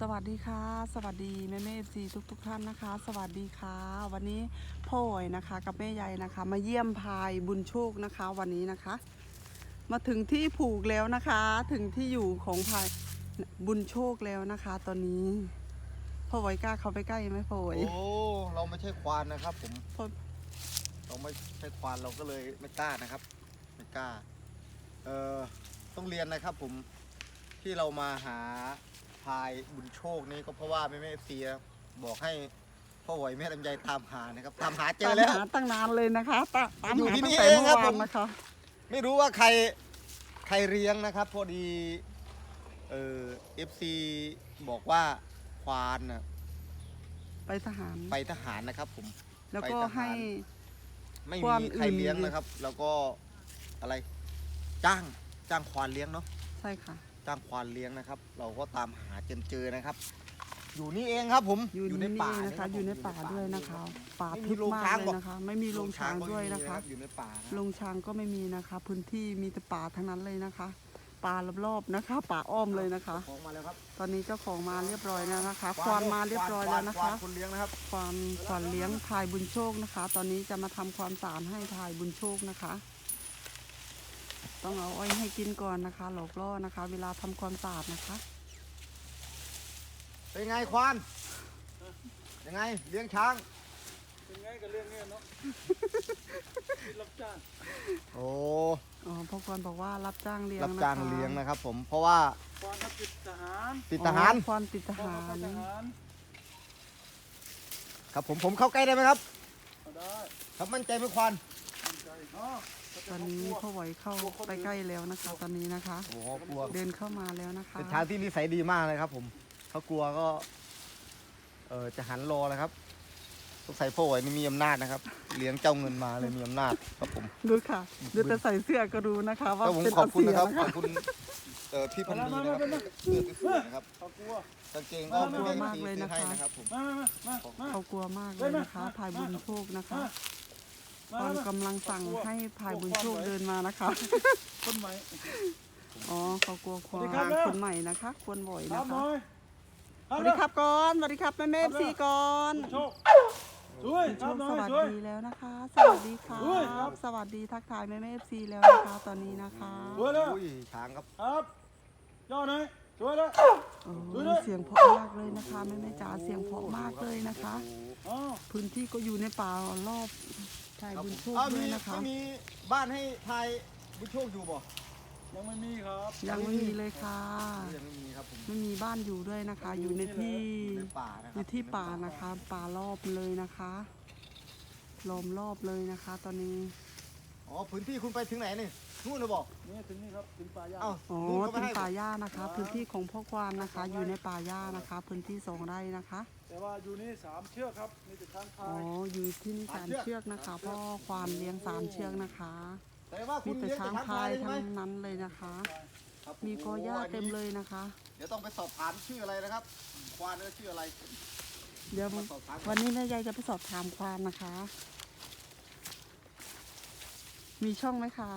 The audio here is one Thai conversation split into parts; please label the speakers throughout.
Speaker 1: สวัสดีค่ะสวัสดีแม่เอฟซีทุกท่านนะคะสวัสดีค่ะวันนี้พ่ออ๋อยนะคะกับแม่ใหญ่นะคะมาเยี่ยมพายบุญโชคนะคะวันนี้นะคะมาถึงที่ผูกแล้วนะคะถึงที่อยู่ของพายบุญโชคแล้วนะคะตอนนี้พ่ออ๋อยกล้าเข้าไปใกล้ไหมพ่ออ๋อย
Speaker 2: โอ้เราไม่ใช่ควานนะครับผม
Speaker 1: พ่อ
Speaker 2: เราไม่ใช่ควานเราก็เลยไม่กล้านะครับไม่กล้าต้องเรียนนะครับผมที่เรามาหาพายบุญโชคนี่ก็เพราะว่าแม่เอฟซีบอกให้พ่อไหวแม่ลำไยตามหานะครับตามหาเจอแล้ว
Speaker 1: ตามหาตั้งนานเลยนะคะตาม
Speaker 2: อยู่
Speaker 1: หา
Speaker 2: ที่
Speaker 1: ตั้
Speaker 2: นี่
Speaker 1: งแต่
Speaker 2: เอง
Speaker 1: เมื่อ
Speaker 2: ครับ
Speaker 1: วา
Speaker 2: ผ
Speaker 1: น
Speaker 2: ม
Speaker 1: นะคะ
Speaker 2: ไม่รู้ว่าใครเลี้ยงนะครับพอดีFC บอกว่าควานน่ะ
Speaker 1: ไปทหาร
Speaker 2: ไปทหารนะครับผม
Speaker 1: แล้วก็
Speaker 2: ไปทหาร
Speaker 1: ให้
Speaker 2: ไม่
Speaker 1: ควาน
Speaker 2: มีใคร
Speaker 1: อื่น
Speaker 2: เลี้ยงนะครับ แล้วก็อะไรจ้างควานเลี้ยงเนาะ
Speaker 1: ใช่ค่ะ
Speaker 2: จ้างควานเลี้ยงนะครับ เราก็ตามหาจนเจอนะครับ อยู่นี่เองครับผม
Speaker 1: อยู่ในป่านะคะอยู่ในป่าด้วยนะคะป่าทึบมากเลยนะคะไม่มีโรงช้างด้วยนะคะ
Speaker 2: อยู่ในป่านะ
Speaker 1: โรงช้างก็ไม่มีนะคะพื้นที่มีแต่ป่าทั้งนั้นเลยนะคะป่ารอบๆนะคะป่าอ้อมเลยนะคะ
Speaker 2: ของมาแล้วครับ
Speaker 1: ตอนนี้เจ้าของมาเรียบร้อยแล้วนะคะควานมาเรียบร้อยแล้วนะคะ
Speaker 2: คนเลี้ยงนะครับ
Speaker 1: ควานเลี้ยงพายบุญโชคนะคะ ตอนนี้จะมาทำความสะอาดให้พายบุญโชคนะคะ ต้องเอาอ้อยให้กินก่อนนะคะหลอกล่อนะคะ เวลาทำความสะอาดนะคะ
Speaker 2: เป็นไงควานยังไงเลี้ยงช้าง
Speaker 3: เป็นไงกับเรื่องเนี้ยเนาะ รับจ้าง
Speaker 2: โอ้
Speaker 1: อ๋อพ่อควานบอกว่ารับจ้างเลี้ยง
Speaker 2: รับ
Speaker 1: นะคะ
Speaker 2: จ้างเลี้ยงนะครับ ผมเพราะว่า
Speaker 3: ควานรับติดทหาร
Speaker 2: ติดทหาร
Speaker 1: อ๋อควานติดทหาร
Speaker 3: ควานทหาร
Speaker 2: ครับผมเข้าใกล้ได้ไหมครับ
Speaker 3: เอาได้
Speaker 2: ครับมั่นใจไหมควาน
Speaker 3: มั่นใจเนาะ
Speaker 1: ตอนนี้พ่อไหวเข้าไปใกล้แล้วนะคะ ตอนนี้นะคะ
Speaker 2: โอ้โหกลัว
Speaker 1: เดินเข้ามาแล้วนะคะ
Speaker 2: เป็นช้างที่นิสัยดีมากเลยครับ ผมเขากลัวก็จะหันรอเลยครับสงสัยพ่อไหวนี่มีอำนาจนะครับ เลี้ยงเจ้าเงินมาเลยมีอำนาจครับผม
Speaker 1: ดูค่ะดูแต่ใส่เสื้อก็รู้นะคะ ว่า
Speaker 2: ครับผม
Speaker 1: เป็น
Speaker 2: ขอบคุณ
Speaker 1: เสี
Speaker 2: นะครับ
Speaker 1: นะ
Speaker 2: ข
Speaker 1: คะ
Speaker 2: อบคุณพี่พันธีนะครับเสื้อสวยๆนะครับ
Speaker 3: เขากลัว
Speaker 2: กางเกงก็ไม่ได้ซื้อให้นะครับผม
Speaker 3: มา
Speaker 1: เขากลัวมากเลยนะคะพายบุญโชคนะคะตอนกำลังสั่งให้พายบุญโชคเดินมานะคะ
Speaker 3: คนใหม่
Speaker 1: อ๋อเขากลัวควา
Speaker 3: สวัสดีครับ
Speaker 1: คนใหม่นะคะควรบ่อย
Speaker 3: ครั
Speaker 1: นะ
Speaker 3: บห
Speaker 1: คะ
Speaker 3: น่อย
Speaker 1: สวัสดีครับก่อนสวัสดีครับแม่เมฟซีก่อน
Speaker 3: โชคสวย
Speaker 1: บุญ
Speaker 3: ค
Speaker 1: โช
Speaker 3: รับ
Speaker 1: ค
Speaker 3: หน่
Speaker 1: ส
Speaker 3: อย
Speaker 1: วัส
Speaker 3: สวย
Speaker 1: ดีแล้วนะคะ สวัสดีครั
Speaker 3: สวยครับ บ
Speaker 1: สวัสดีทักทายแม่เมฟซีแล้วนะคะตอนนี้นะคะ
Speaker 3: สวยแล้ว
Speaker 2: อุ้ยช้างครับ
Speaker 3: ครับย่อหน่อยสวยแล้ว
Speaker 1: โอ้
Speaker 3: สวยแล้ว
Speaker 1: เสียงเพราะมากเลยนะคะแม่แม่จ๋าเสียงเพราะมากเลยนะคะ
Speaker 3: อ๋อ
Speaker 1: พื้นที่ก็อยู่ในป่ารอบพายบุญโชค
Speaker 2: อ้าว
Speaker 1: ด้ว
Speaker 2: มี
Speaker 1: ยนะคะ
Speaker 2: ไม่มีบ้านให้พายบุญโชคอยู่บ่
Speaker 3: ยังไม่มีครับ
Speaker 1: ยังไม่มีเลยค่ะ
Speaker 2: ยังไม่มีครับผม
Speaker 1: ไม่มีบ้านอยู่ด้วยนะคะ อยู่ในที่
Speaker 2: ในป่านะค
Speaker 1: อ
Speaker 2: รับ
Speaker 1: ยู่ที่ป่านะคะ ป่ารอบเลยนะคะล้อมรอบเลยนะคะ ตอนนี้
Speaker 2: อ๋อพื้นที่คุณไปถึงไหนนี่นู่นเลยบอก
Speaker 3: นี่ถึงนี่ครับถึงป่าย่า
Speaker 2: เอ้า
Speaker 1: อ๋อ
Speaker 2: นู่นก็
Speaker 1: เป็
Speaker 2: ไม่
Speaker 1: น
Speaker 2: ให้
Speaker 1: ป่าหญ้านะคะ พื้นที่ของพ่อควานนะคะ อยู่ในป่าหญ้านะคะ พื้นที่2 ไร่นะคะ
Speaker 3: แต่ว่าอยู่นี่3 เชือกครับมีแต่ทางพา
Speaker 1: อ๋อย อยู่ที่นี่3 เชือกนะคะพ่อควานเลี้ยง3 เชือกนะคะ
Speaker 2: แต่ว่าคุ
Speaker 1: มี
Speaker 2: ณ
Speaker 1: แต่
Speaker 2: เลี้ยง
Speaker 1: ช้าง
Speaker 2: แต่
Speaker 1: พาย
Speaker 2: ใช่ไหม
Speaker 1: ทั้งนั้นเลยนะคะ
Speaker 2: ครับ
Speaker 1: มีกอหญ้า
Speaker 2: โอ้โ
Speaker 1: เต็มเลยนะคะ
Speaker 2: เดี๋ยวต้องไปสอบถามชื่ออะไรนะครับควานชื่ออะไร
Speaker 1: เดี๋ยววันนี้แม่ยายจะไปสอบถามควานนะคะ มีช่องไหมคะ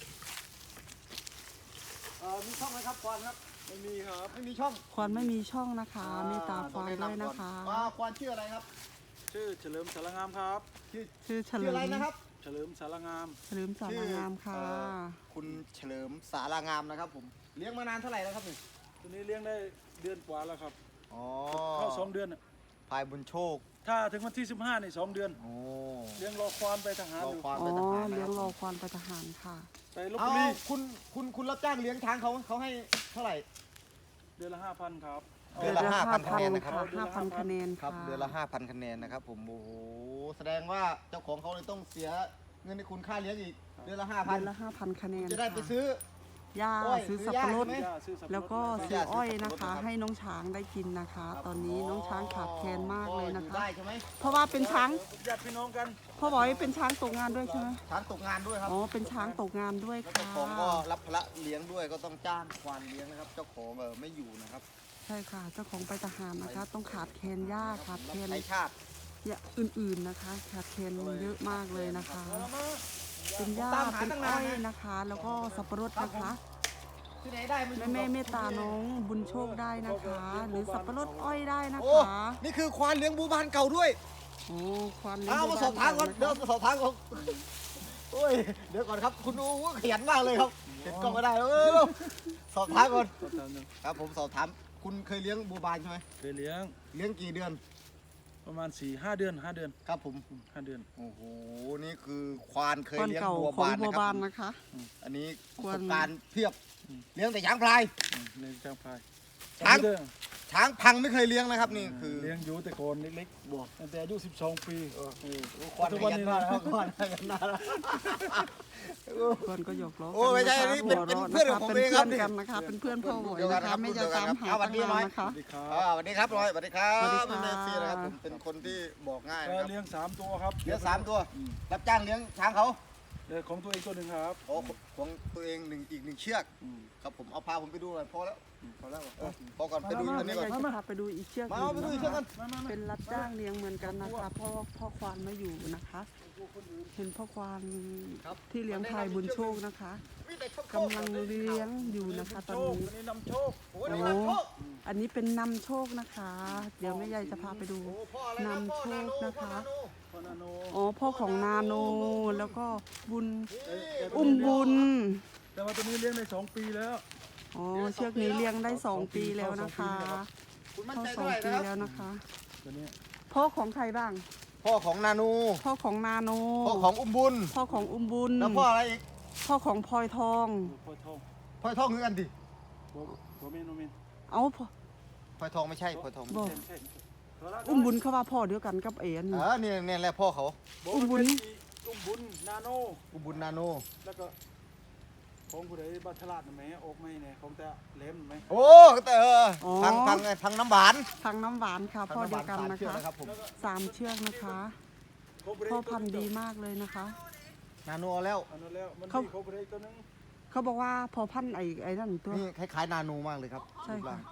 Speaker 2: มีช่องไหมครับควานครับ
Speaker 3: ไม่มีครับ
Speaker 2: ไม่มีช่อง
Speaker 1: ควานไม่มีช่องนะคะมีตาควานด้วยนะคะ
Speaker 2: ควานชื่ออะไรครับ
Speaker 3: ชื่อเฉลิมสารงามครับ
Speaker 1: ชื่อเฉ
Speaker 2: ชื่
Speaker 1: ลิ
Speaker 2: อ
Speaker 1: ม
Speaker 2: อะไรนะครับ
Speaker 3: เฉลิมสารงาม
Speaker 1: เฉลิมสารางามค่ะ
Speaker 2: คุณเฉลิมสารางามนะครับผมเลี้ยงมานานเท่าไหร่แล้วครับนี่
Speaker 3: ตัวนี้เลี้ยงได้เดือนกว่าแล้วครับ
Speaker 2: อ๋อ
Speaker 3: เข้า2 เดือนน่ะ
Speaker 2: พายบุญโชค
Speaker 3: ถ้าถึงวันที่15นี่2 เดือน
Speaker 2: โอ้
Speaker 3: เลี้ยงรอควานไปทหาร
Speaker 2: รอ
Speaker 3: อยู่
Speaker 2: ควาน
Speaker 1: อ๋
Speaker 2: ไป
Speaker 1: อ
Speaker 2: ทหารนะ
Speaker 1: เลี้ย
Speaker 2: ค
Speaker 1: ง
Speaker 2: รับ
Speaker 1: รอควานไปทหารค่ะ
Speaker 3: ไปลบ
Speaker 2: เอา
Speaker 3: บุรี
Speaker 2: คุณรับจ้างเลี้ยงช้างเขาให้เท่าไหร่
Speaker 3: เดือนละ 5,000 ครับ
Speaker 2: เดือนละ5,000คะแนนนะครับ
Speaker 1: 5,000 คะแนน
Speaker 2: ครับ
Speaker 1: ค่ะ
Speaker 2: เดือนละ 5,000 คะแนนนะครับผมโอ้โหแสดงว่าเจ้าของเขาเลยต้องเสียเงินในคุณค่าเลี้ยงอีกเดือนละ
Speaker 1: เดือนละ
Speaker 2: 5,000
Speaker 1: 5,000 คะแนน
Speaker 2: จะได้ไป
Speaker 1: ค่ะ
Speaker 2: ซื้อ
Speaker 1: หญ้า
Speaker 2: อ้อย
Speaker 1: ซื้อ
Speaker 2: ซื้
Speaker 1: สั
Speaker 2: อบ หญ้า
Speaker 1: ปะรด
Speaker 2: ใช่ไหม
Speaker 3: ซื้อสับปะรด
Speaker 1: แล้วก็
Speaker 2: ซื้
Speaker 1: ซื้ออ้อย
Speaker 2: สับปะรด
Speaker 1: นะคะ
Speaker 2: นะครับ
Speaker 1: ให้น้องช้างได้กินนะคะ ตอนนี้น้องช้างขาดแคลนมากเลยนะ
Speaker 2: อ
Speaker 1: คะ
Speaker 2: ได้ใช่ไหม
Speaker 1: เพราะว่าเป็นช้าง
Speaker 3: ญาติพี่น้องกัน
Speaker 1: พ่อบอกว่าเป็นช้างตกงานด้วยใช่ไหม
Speaker 2: ช้างตกงานด้วยครับ
Speaker 1: อ๋อเป็นช้างตกงานด้วย
Speaker 2: แล้ว
Speaker 1: ค่ะ
Speaker 2: เจ้าของก็รับภาระเลี้ยงด้วยก็ต้องจ้างควานเลี้ยงนะครับ เจ้าของไม่อยู่นะครับ
Speaker 1: ใช่ค่ะเจ้าของไปทหารนะคะ ต้องขาดแคลนหญ้าขาดแคลน
Speaker 2: ใช้ชาติ
Speaker 1: อย่างอื่นๆนะคะ ขาดแคลนเยอะมากเลยนะคะ
Speaker 3: เอามา
Speaker 1: เป็นหญ้าเป็นอ้อยนะคะ แล้วก็สับปะรดนะคะ
Speaker 2: ที่ไหนได้ไม่รู้
Speaker 1: แม่เมตตาน้องบุญโชคได้นะคะ หรือสับปะรดอ้อยได้นะ
Speaker 2: โอ้
Speaker 1: คะ
Speaker 2: นี่คือควานเลี้ยงบูบานเก่าด้วย
Speaker 1: โอ้ควันเลี้ยง
Speaker 2: เอามาสอบถามก่อน
Speaker 1: ะคะ
Speaker 2: เดี๋ยวมาสอบถามก่อนโอ้ยเดี๋ยวก่อนครับคุณอูขยันมากเลยครับเห็นกล้องไม่ได้สอบถามก่อน
Speaker 3: ก็ตามนึง
Speaker 2: ครับผมสอบถามคุณเคยเลี้ยงบูบานใช่ไหม
Speaker 3: เคยเลี้ยง
Speaker 2: เลี้ยงกี่เดือน
Speaker 3: ประมาณ 4-5 เดือน 5 เดือน
Speaker 2: ครับผม
Speaker 3: 5 เดือน
Speaker 2: โอ้โหนี่คือควานเคย
Speaker 1: ควัน
Speaker 2: เลี้ยง
Speaker 1: เก่า
Speaker 2: บัว
Speaker 1: ของ
Speaker 2: บาน
Speaker 1: บัว
Speaker 2: นะค
Speaker 1: บา
Speaker 2: รั
Speaker 1: น
Speaker 2: บ
Speaker 1: นะคะ
Speaker 2: อันนี้ป
Speaker 1: คว
Speaker 2: ระ
Speaker 1: ร
Speaker 2: สบการณ์เพียบเลี้ยงแต่ช้างพลาย
Speaker 3: เลี้ยงจ้างพาย
Speaker 2: ช้าง
Speaker 3: เลี้ยง
Speaker 2: ช้างพังไม่เคยเลี้ยงนะครับนี่คือ
Speaker 3: เลี้ยงอยู่แต่ก่อนเล็กๆบอกตั้งแต่อายุ12 ปีเออ
Speaker 2: ควาน
Speaker 3: ทุก
Speaker 2: ข
Speaker 3: วัน
Speaker 2: ยัน
Speaker 3: นี้
Speaker 2: มาก
Speaker 3: นะ
Speaker 2: นะครับควานขยันมากนะ
Speaker 1: ควันก็หยอกล้อ
Speaker 2: โอ้ไม่ใช่
Speaker 1: กั
Speaker 2: อันนี้เป็น
Speaker 1: หัวราะ
Speaker 2: เพื่อนของผม
Speaker 1: เป็น
Speaker 2: เองครับ
Speaker 1: เพื่อนกันนะคะ เป็นเพื่อนพ่อหวย
Speaker 2: เดียวกั
Speaker 1: นะ
Speaker 2: นครั
Speaker 1: คะ
Speaker 2: บ
Speaker 1: ไม่จะตามหา
Speaker 2: เอาวัน
Speaker 1: ตั้ง
Speaker 2: นี้
Speaker 1: นาน
Speaker 2: น้อย
Speaker 1: นะคะ
Speaker 3: สวัสดีครับ
Speaker 2: สวัสดีครับร้อยสวัสดีครับ
Speaker 1: สวัสดีค่ะ
Speaker 2: แม่ซีนะครับผมเป็นคนที่บอกง่าย
Speaker 3: ก็
Speaker 2: นะครับ
Speaker 3: เลี้ยง3 ตัวครับ
Speaker 2: เลี้ยง3 ตัว รับจ้างเลี้ยงช้างเขา
Speaker 3: เลี้ยงของตัวเองตัวหนึ่งครับ
Speaker 2: โอ้ของตัวเองอีกหนึ่งเชือก
Speaker 3: อืม
Speaker 2: ครับผมเอาพาผมไปดูหน่อยพอแล้ว
Speaker 3: พอแล้ว
Speaker 2: พอก่อนไปดูตัวนี้ก่อน
Speaker 1: แม่ยายจะพาไปดูอีกเชือกห
Speaker 2: มา
Speaker 1: นึ่ง
Speaker 2: เอาไปดูอีกเชือกกัน
Speaker 1: เป็นรับจ้างเลี้ยงเหมือนกันนะคะเพราะว่าพ่อควานมาอยู่นะคะ เห็นพ่อควานที่เลี้ยงพลายบุญโชคนะคะ
Speaker 2: มีแต่โชค
Speaker 1: กำลังเลี้ยงอยู่นะคะตอนนี้
Speaker 3: อันนี้นำโชค
Speaker 2: โอ้ยนี่นำโชค
Speaker 1: อันนี้เป็นนำโชคนะคะ เดี๋ยวแม่ยายจะพาไปดู
Speaker 2: โอ้พ่ออะไรนะ
Speaker 1: นำ
Speaker 2: พ่อ
Speaker 1: โช
Speaker 2: นา
Speaker 1: ค
Speaker 2: โน
Speaker 1: นะคะ
Speaker 2: พ่อนาโน
Speaker 3: พ่อนาโน
Speaker 1: อ๋อพ่อของนาโนแล้วก็บุญ
Speaker 2: นี่
Speaker 1: อุ้มบุญ
Speaker 3: แต่ว่าตัวนี้เลี้ยงได้2 ปีแล้ว
Speaker 1: อ๋อเชือกนี้เลี้ยงได้2 ปีแล้วนะคะ
Speaker 2: คุณมั่น
Speaker 1: เข้า
Speaker 2: ใจ
Speaker 1: 2
Speaker 2: เท่าไหร่
Speaker 1: ปี
Speaker 2: นะครับ
Speaker 1: แล้วนะคะ
Speaker 3: ตัวนี้
Speaker 1: พ่อของใครบ้าง
Speaker 2: พ่อของนาโน
Speaker 1: พ่อของนาโน
Speaker 2: พ่อของอุ้มบุญ
Speaker 1: พ่อของอุ้มบุญ
Speaker 2: แล้วพ่ออะไรอีก
Speaker 1: พ่อของพลอยทอง
Speaker 3: พ่อทอง
Speaker 2: พลอยทองคือกันดิ
Speaker 3: ตัวเมนโนเมน
Speaker 1: เอาพ่อ
Speaker 2: พลอยทองไม่ใช่พลอยทอง
Speaker 1: บอก
Speaker 3: ใช่
Speaker 1: อุ้มบุญเขาว่าพ่อเดียวกันกับเอ๋อันนี้
Speaker 2: เนี่ยแหละพ่อเขา
Speaker 1: อุ้มบุญ
Speaker 3: อุ้มบุญนาโน
Speaker 2: อุ้มบุญนาโน
Speaker 3: แล้วก็ของผู้ใดบัตรฉลาดนะแม่ออกไม่เนี่ยของแต่เล่มไหม
Speaker 2: โอ้แต่ทางน้ำหวาน
Speaker 1: ทางน้ำหวานค่ะพ่อเดียวกันนะ
Speaker 2: ทางำหวา
Speaker 1: คะ
Speaker 2: สามเชือกนะครับผม
Speaker 1: 3 เชือกนะคะ
Speaker 3: ของผู้ใด
Speaker 1: พ่อพันธุ์ดีมากเลยนะคะ
Speaker 2: นาโนเอาแล้ว
Speaker 3: อันนั้นแล้วมัน
Speaker 1: เขา
Speaker 3: มีของผู้ใดตัวนึง
Speaker 1: เขาบอกว่าพอพันธุ์ไอ้นั่นตัว
Speaker 2: นี่คล้ายๆนาโนมากเลยครับ
Speaker 1: ใช่ค่ะ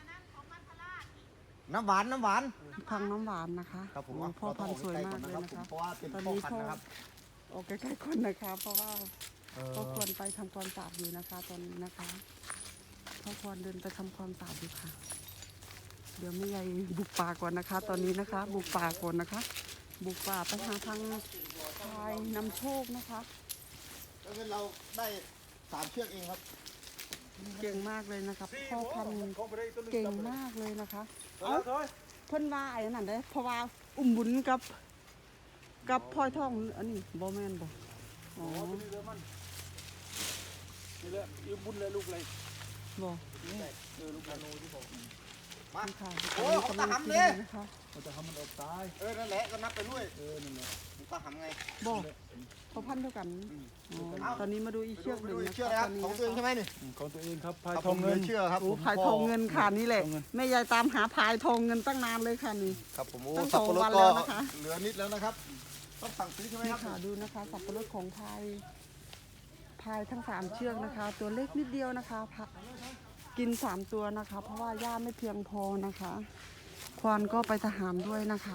Speaker 2: น้ำหวาน
Speaker 1: ทางน้ำหวานนะคะ
Speaker 2: ครับผม
Speaker 1: โอ้พ่อพันธุ์สวยมากเลยนะคะ
Speaker 2: เพราะว่าเป็น
Speaker 1: ตอน
Speaker 2: พ่อ
Speaker 1: นี้
Speaker 2: พัน
Speaker 1: พ่อ
Speaker 2: ธุ์นะครับ
Speaker 1: ออกใกล้ๆคนนะคะ เพราะว่า
Speaker 2: เออ
Speaker 1: พ่อควรไปทำความสะอาดอยู่นะคะ ตอนนี้นะคะพ่อควรเดินไปทำความสะอาดอยู่ค่ะ เดี๋ยวแม่ยายบุกป่าก่อนนะคะ ตอนนี้นะคะ บุกป่าก่อนนะคะ บุกป่าไปหาทางพายนำโชคนะคะ
Speaker 2: แล้วเงินเราได้3 เชือกเองครับ
Speaker 1: เก่งมากเลยนะคะพ่อพันธุ์
Speaker 3: ของผู้ใดตัวนึง
Speaker 1: เก่งมากเลยนะคะ
Speaker 3: เอาถอย
Speaker 1: เพิ่นว่าไอ้นั่นเด้เพราะว่าอุ้มบุญกับพลอยทองอันนี้บ่แม่นบ่อ๋อ
Speaker 3: อ๋อตัวนี้เรือมันนี่แหละอุ้มบุญเลยลูกเลย
Speaker 1: บ่
Speaker 3: นี่ลูกนาโนที่บอก
Speaker 2: มา
Speaker 1: นี่ค่ะ
Speaker 2: โอ้เขาตาหำ
Speaker 1: เล
Speaker 2: เลย
Speaker 1: นะคะ
Speaker 3: มันจะทำมันออกตาย
Speaker 2: นั่นแหละก็นับไปด้วย
Speaker 3: นั่นแหละ
Speaker 2: มันตาหำไง
Speaker 1: บ่เขาพันเท่ากันอ๋อตอนนี้มาดูอีกเชือกห
Speaker 2: ไป
Speaker 1: นึ่ง
Speaker 2: ดูอี
Speaker 1: นะ
Speaker 2: กเชือก
Speaker 1: คะ
Speaker 2: นะครับ
Speaker 1: ตอนนี้
Speaker 2: ของตัวเองใช่ไหมนี่
Speaker 3: ของตัวเองครับพาย
Speaker 2: ครับ
Speaker 3: ทองเงิน
Speaker 2: ผมเชื่อครับ
Speaker 1: โอ้
Speaker 2: ผม
Speaker 1: พายทองเงินค่ะนี่แหละ
Speaker 3: ทองเงิน
Speaker 1: แม่ยายตามหาพายทองเงินตั้งนานเลยค่ะนี่
Speaker 2: ครับผมโอ้
Speaker 1: ตั้ง
Speaker 2: สับปะรด
Speaker 1: 2 วัน
Speaker 2: ก็
Speaker 1: แล้วนะคะ
Speaker 2: เหลือนิดแล้วนะครับ ต้องสั่งซื้อใช่ไหม
Speaker 1: นี่
Speaker 2: ครับ
Speaker 1: ค่ะดูนะคะสับปะรดของพายทั้ง3 เชือกนะคะ ตัวเล็กนิดเดียวนะคะกิน3 ตัวนะคะ เพราะว่าหญ้าไม่เพียงพอนะคะ ควานก็ไปทหารด้วยนะคะ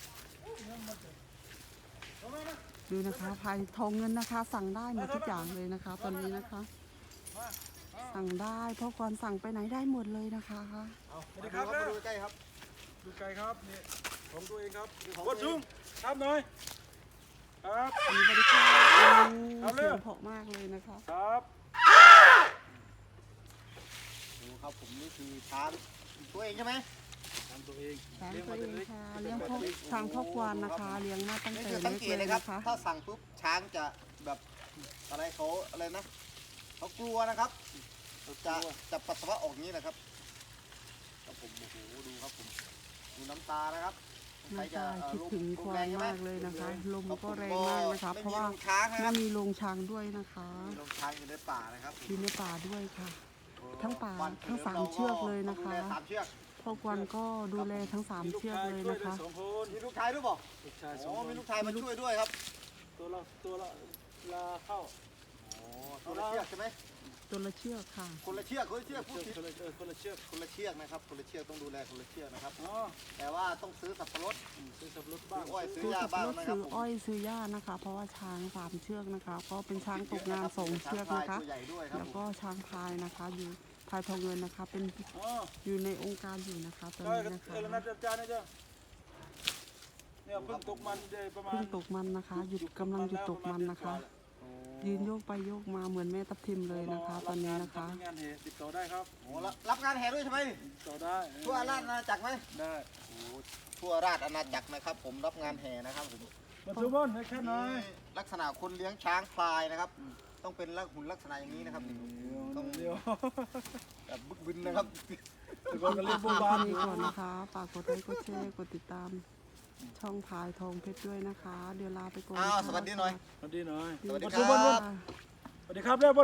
Speaker 1: ดูนะคะพายทองเงินนะคะ สั่งได้หมดทุกอย่างเลยนะคะ ตอนนี้นะคะ สั่งได้เพราะควานสั่งไปไหนได้หมดเลยนะคะ
Speaker 2: เอา
Speaker 3: สวัสดีครับ
Speaker 2: มาดูใกล้ๆครับ
Speaker 3: ดูไกลครับนี่ของตัวเองครับ
Speaker 2: ของ
Speaker 3: ก
Speaker 2: ตัว
Speaker 3: ด
Speaker 2: เอง
Speaker 3: ซุ้มครับหน่อยครับ
Speaker 1: อันนี้บริการ
Speaker 3: เอาเลย
Speaker 1: เสียงเพราะมากเลยนะคะ
Speaker 3: ครับ
Speaker 2: ดูครับผมนี่คือช้างตัวเองใช่ไหม
Speaker 3: ทำตัวเอง
Speaker 1: ช้าง
Speaker 3: เลี้ยง
Speaker 1: ตัว
Speaker 3: มา
Speaker 1: เอ
Speaker 3: แต่
Speaker 1: ง
Speaker 3: เล็ก
Speaker 1: ค่ะเลี้ยงพ่อช้างพ่อควานนะคะ เลี้ยงมาตั้ง
Speaker 2: นี่
Speaker 1: แต่
Speaker 2: คือสัง
Speaker 1: เล็ก
Speaker 2: เก
Speaker 1: เล
Speaker 2: ต
Speaker 1: ย
Speaker 2: เลยครับ
Speaker 1: นะคะ
Speaker 2: ถ้าสั่งปุ๊บช้างจะแบบอะไรเขาอะไรนะเขากลัวนะครับจะปัสสาวะออกอย่างนี้นะครับครับผมโอ้โหดูครับผมดูน้ำตานะครับใคร
Speaker 1: น้ำ
Speaker 2: จะ
Speaker 1: ตาคิดถึงควาน
Speaker 2: ใช่ไห
Speaker 1: มากเลยนะคะ ลม
Speaker 2: ครับผ
Speaker 1: ก็แรงมากนะคะ เพราะว่า
Speaker 2: ไม่มีช้างนะค
Speaker 1: ไม่
Speaker 2: รับ
Speaker 1: มีโรงช้างด้วยนะคะ
Speaker 2: มีลงช้างอยู่ในป่านะครับ
Speaker 1: อยู่ในป่าด้วยค่ะ ทั้งป่า
Speaker 2: วัน
Speaker 1: ทั้ง
Speaker 2: ฉ
Speaker 1: สาม
Speaker 2: ลิ
Speaker 1: เชือกเลยนะคะ
Speaker 2: ต้องดูแลสามเชือก
Speaker 1: พ่อควานก็ดูแลทั้ง
Speaker 3: มี
Speaker 1: 3
Speaker 3: ลูก
Speaker 1: เชือก
Speaker 3: ชาย
Speaker 1: เลย
Speaker 3: ช่วย
Speaker 1: นะ
Speaker 3: ได้
Speaker 1: คะ
Speaker 3: 2 คน
Speaker 2: มีลูกชายด้วยบอก
Speaker 3: ลูกชาย
Speaker 2: อ๋อ
Speaker 3: 2 คน
Speaker 2: มีลูกชายมาช่วยด้วยครับ
Speaker 3: ตัวละลาเข้า
Speaker 2: อ๋อตัวละเชือกใช่ไหม
Speaker 1: ตัวละเชือกค่ะ
Speaker 2: คนละเชือกพูดผิด
Speaker 3: คนละเชือก
Speaker 2: คนละเชือกนะครับคนละเชือกต้องดูแลคนละเชือกนะครับ
Speaker 3: อ๋อ
Speaker 2: แต่ว่าต้องซื้อสับปะรด
Speaker 3: ซื้อสับปะรด
Speaker 2: ซื้
Speaker 3: บ้า
Speaker 2: อง อ้อยซื้อ
Speaker 1: ซื้อ
Speaker 2: หญ้า
Speaker 1: สับ
Speaker 2: บ้าง
Speaker 1: รถ
Speaker 2: นะครั
Speaker 1: ซื้
Speaker 2: บ
Speaker 1: อ
Speaker 2: ผม
Speaker 1: อ้อยซื้อหญ้านะคะ เพราะว่าช้าง3 เชือกนะคะก็เป็นช้างตกงาน2 เชือกนะคะ
Speaker 2: ตัวใหญ่ด้วยครับ
Speaker 1: แล้วก็ช้างพายนะคะอยู่พายทองเงินนะคะเป็น
Speaker 3: อ๋อ
Speaker 1: อยู่ในองค์การอยู่นะคะตอน
Speaker 3: ได้
Speaker 1: นี้
Speaker 3: กัน
Speaker 1: นะคะ
Speaker 3: เออแล้วนัดอาจารย์นะจ๊ะเนี่ยเพิ่งตกมันได้ประมาณ
Speaker 1: เพิ่งตกมันนะคะหยุดกำลังหยุดตกมันนะคะ ยืนโยกไปโยกมาเหมือนแม่ทับทิมเลยนะคะ ตอนนี้นะคะ
Speaker 3: งานเหตุติดต่อได้ครับ
Speaker 2: โอ้รับงานแห่ด้วยใช่ไหม
Speaker 3: ติดต่อได้
Speaker 2: ทั่วราชอาณาจักรไหม
Speaker 3: ได้
Speaker 2: โอ้ทั่วราชอาณาจักรนะครับ ผมรับงานแห่นะครับผม
Speaker 3: มาดูบอลให้แค่หน่อย
Speaker 2: นี่ลักษณะคนเลี้ยงช้างพลายนะครับ ต้องเป็นหุ่นลักษณะอย่างนี้นะครับต้อง
Speaker 3: เดียว
Speaker 2: แบบบึกบึนนะครับ
Speaker 3: แต่ก่อนก็เล่นโบว์บา
Speaker 1: ค
Speaker 3: น
Speaker 1: ลิปนี้ก่อนนะคะฝากกดไลค์กดแชร์กดติดตาม ช่องพายทองเพชรด้วยนะคะ เดี๋ยวลาไปก่อน
Speaker 2: อ้าว
Speaker 1: นะคะ
Speaker 2: สวัสดีหน่อย
Speaker 3: สวัสดีหน่อย
Speaker 2: สวัสดี
Speaker 3: มา
Speaker 2: ค
Speaker 3: ดู
Speaker 2: รับ
Speaker 3: อล
Speaker 1: ค่ะ
Speaker 3: สวัสดีครับเรียบ